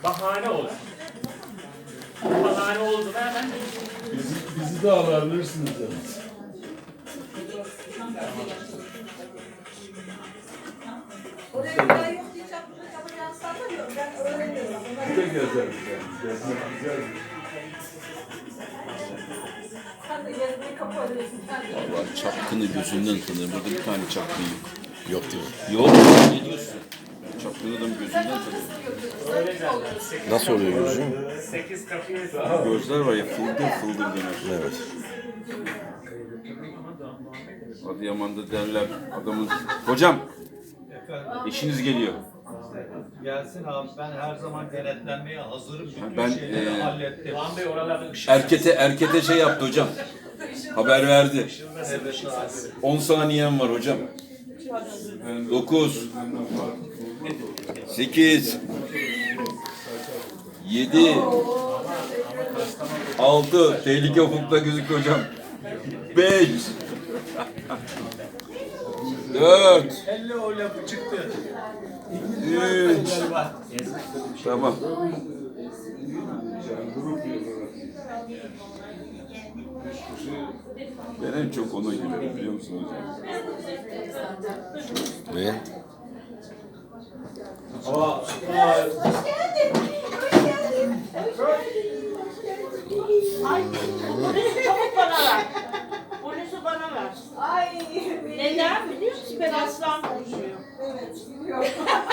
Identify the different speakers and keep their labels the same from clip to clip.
Speaker 1: Bahane olsun. Bahane oldu mu hemen.
Speaker 2: Bizi de alabilirsiniz yani.
Speaker 3: Oraya ben yok diye yapacağını sanmıyorum. Ben öğreniyorum.
Speaker 2: Bir de gezeriz yani. Gezmek güzel.
Speaker 3: Sen de gezmeyi kapatıyorsun.
Speaker 4: Allah çapkını gözünden tanır. Burada bir tane çapkın yok.
Speaker 5: Yok değil mi?
Speaker 4: Yok. Ne diyorsun? Çapkın adam gözünden tanır.
Speaker 1: Öyle derler.
Speaker 5: Nasıl oluyor gözüm?
Speaker 1: 8 kapıyı
Speaker 4: Gözler var ya fıldır fıldır döner.
Speaker 5: Evet.
Speaker 4: Adıyaman'da derler adamın. Hocam eşiniz geliyor.
Speaker 6: Gelsin abi, ben her zaman denetlenmeye hazırım. Bütün
Speaker 4: Ben,
Speaker 6: şeyleri hallettim.
Speaker 1: Doğan Bey oralarda ışık.
Speaker 4: Erkete şey yaptı hocam. Haber verdi.
Speaker 6: Evet abi.
Speaker 4: 10 saniyem var hocam. 9 8 7 6 tehlike ufukta gözüküyor hocam. 5 4
Speaker 6: Elle o lafı çıktı.
Speaker 4: 3 Tamam. Ben en çok ona gülerim biliyor musunuz hocam?
Speaker 5: Ve
Speaker 7: Çabuk bana ver. Polisi bana ver.
Speaker 3: Ay.
Speaker 7: Neden biliyor musun? Ben aslan konuşuyorum.
Speaker 3: Evet, biliyorum.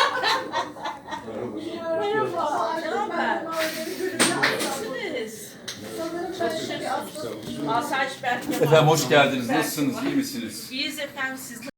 Speaker 7: Merhaba. Ne haber?
Speaker 3: Sanırım
Speaker 7: Nasılsınız?
Speaker 3: ben bir aslan.
Speaker 7: Asayiş Berk Yaman.
Speaker 4: Efendim hoş geldiniz. Nasılsınız? İyi misiniz?
Speaker 7: İyiyiz efendim, siz